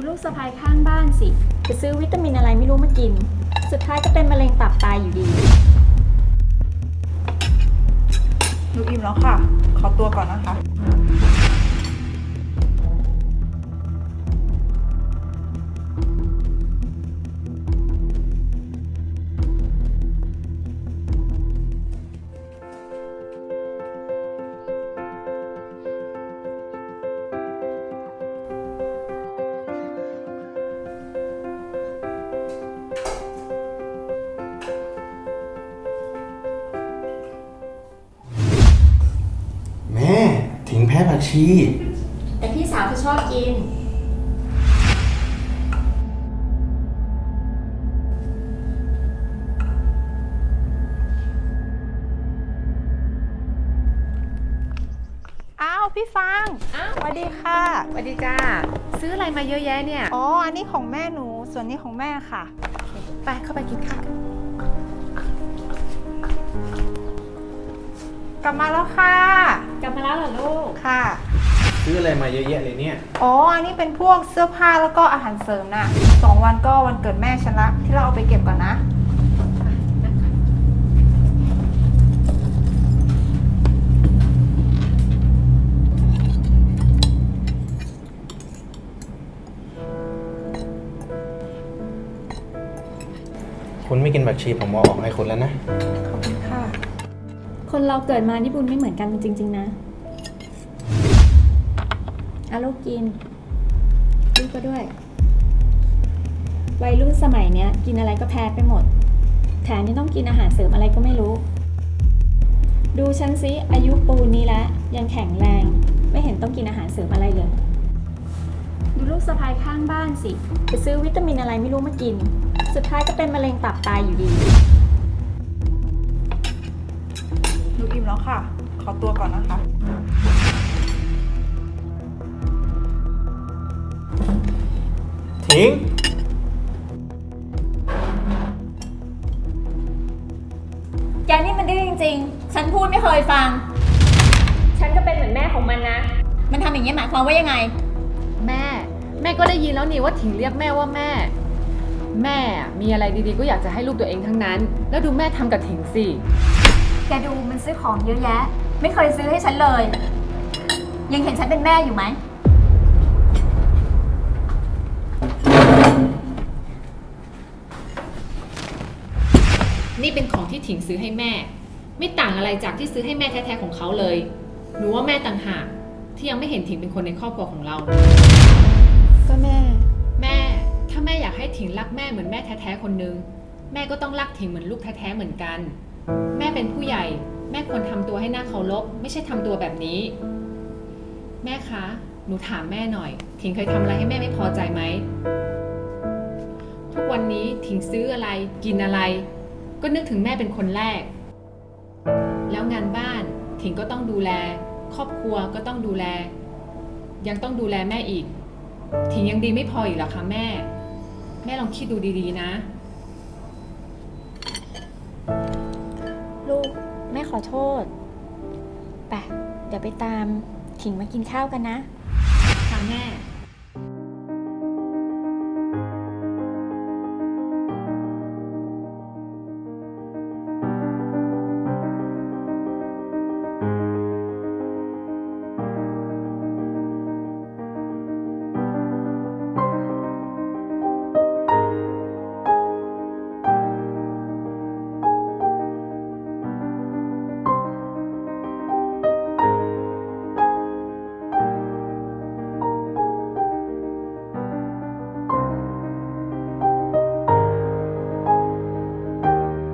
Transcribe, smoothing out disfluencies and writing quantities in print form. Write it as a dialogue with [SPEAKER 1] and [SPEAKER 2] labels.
[SPEAKER 1] ลูกสะใภ้ข้างบ้านสิไปซื้อวิตามินอะไรไม่รู้มากินสุดท้ายก็เป็นมะเร็งตับตายอยู่ดี
[SPEAKER 2] หนูอิ่มแล้วค่ะ ขอตัวก่อนนะคะ
[SPEAKER 3] แม่ถิงแพ้ผักชี
[SPEAKER 1] แต่พี่สาวเขาชอบกิน
[SPEAKER 2] อ้าวพี่ฟาง
[SPEAKER 4] อ้าว
[SPEAKER 2] สวัสดีค่ะ
[SPEAKER 4] สวัสดีจ้าซื้ออะไรมาเยอะแยะเนี่ย
[SPEAKER 2] อ๋อ อันนี้ของแม่หนู ส่วนนี้ของแม่ค่ะ
[SPEAKER 4] ไปเข้าไปกินข้าวกัน
[SPEAKER 2] กลับมาแล้วค่ะ
[SPEAKER 1] กลับมาแล้วเหรอลูก
[SPEAKER 2] ค่ะ
[SPEAKER 3] ซื้ออะไรมาเยอะแยะเลยเนี่ย
[SPEAKER 2] อ๋อ อันนี้เป็นพวกเสื้อผ้าแล้วก็อาหารเสริมน่ะ2 วันก็วันเกิดแม่ฉันละที่เราเอาไปเก็บก่อนนะ
[SPEAKER 3] คุณไม่กินผักชีผมเอาออกให้คุณแล้วนะ
[SPEAKER 2] ขอบคุณค่ะ
[SPEAKER 1] คนเราเกิดมานี่บุญไม่เหมือนกันจริงๆนะเอาลูกกินลูกก็ด้วยวัยรุ่นสมัยเนี้ยกินอะไรก็แพ้ไปหมดแถมยังต้องกินอาหารเสริมอะไรก็ไม่รู้ดูฉันสิอายุปูนนี้แล้วยังแข็งแรงไม่เห็นต้องกินอาหารเสริมอะไรเลยดูลูกสะใภ้ข้างบ้านสิไปซื้อวิตามินอะไรไม่รู้มากินสุดท้ายก็เป็นมะเร็งตับตายอยู่ดี
[SPEAKER 2] หนูอิ่มแล้วค่ะ ขอตัวก่อนนะคะ
[SPEAKER 3] ถิง
[SPEAKER 1] แกนี่มันดื้อจริงๆ ฉันพูดไม่เคยฟัง ฉันก็เป็นเหมือนแม่ของมันนะ มันทำอย่างนี้หมายความว่ายังไง
[SPEAKER 4] แม่ก็ได้ยินแล้วนี่ว่าถิงเรียกแม่ว่าแม่ แม่มีอะไรดีๆก็อยากจะให้ลูกตัวเองทั้งนั้น แล้วดูแม่ทำกับถิงสิ
[SPEAKER 1] แกดูมันซื้อของเยอะแยะ ไม่เคยซื้อให้ฉันเลย ยังเห็นฉันเป็นแม่อยู่ไหม
[SPEAKER 4] นี่เป็นของที่ถิงซื้อให้แม่ ไม่ต่างอะไรจากที่ซื้อให้แม่แท้ๆของเขาเลยหนูว่าแม่ต่างหากที่ยังไม่เห็นถิงเป็นคนในครอบครัวของเรา
[SPEAKER 2] ก็แม่
[SPEAKER 4] แม่ถ้าแม่อยากให้ถิงรักแม่เหมือนแม่แท้ๆคนนึงแม่ก็ต้องรักถิงเหมือนลูกแท้ๆเหมือนกัน แม่เป็นผู้ใหญ่แม่ควรทำตัวให้น่าเคารพไม่ใช่ทำตัวแบบนี้ แม่คะหนูถามแม่หน่อยถิงเคยทำอะไรให้แม่ไม่พอใจไหมทุกวันนี้ถิงซื้ออะไรกินอะไรก็นึกถึงแม่เป็นคนแรกแล้วงานบ้านถิงก็ต้องดูแลครอบครัวก็ต้องดูแลยังต้องดูแลแม่อีกถิงยังดีไม่พออีกเหรอคะแม่ลองคิดดูดีๆนะ
[SPEAKER 1] ลูกแม่ขอโทษไปเดี๋ยวไปตามถิงมากินข้าวกันนะ
[SPEAKER 4] ค่ะแม่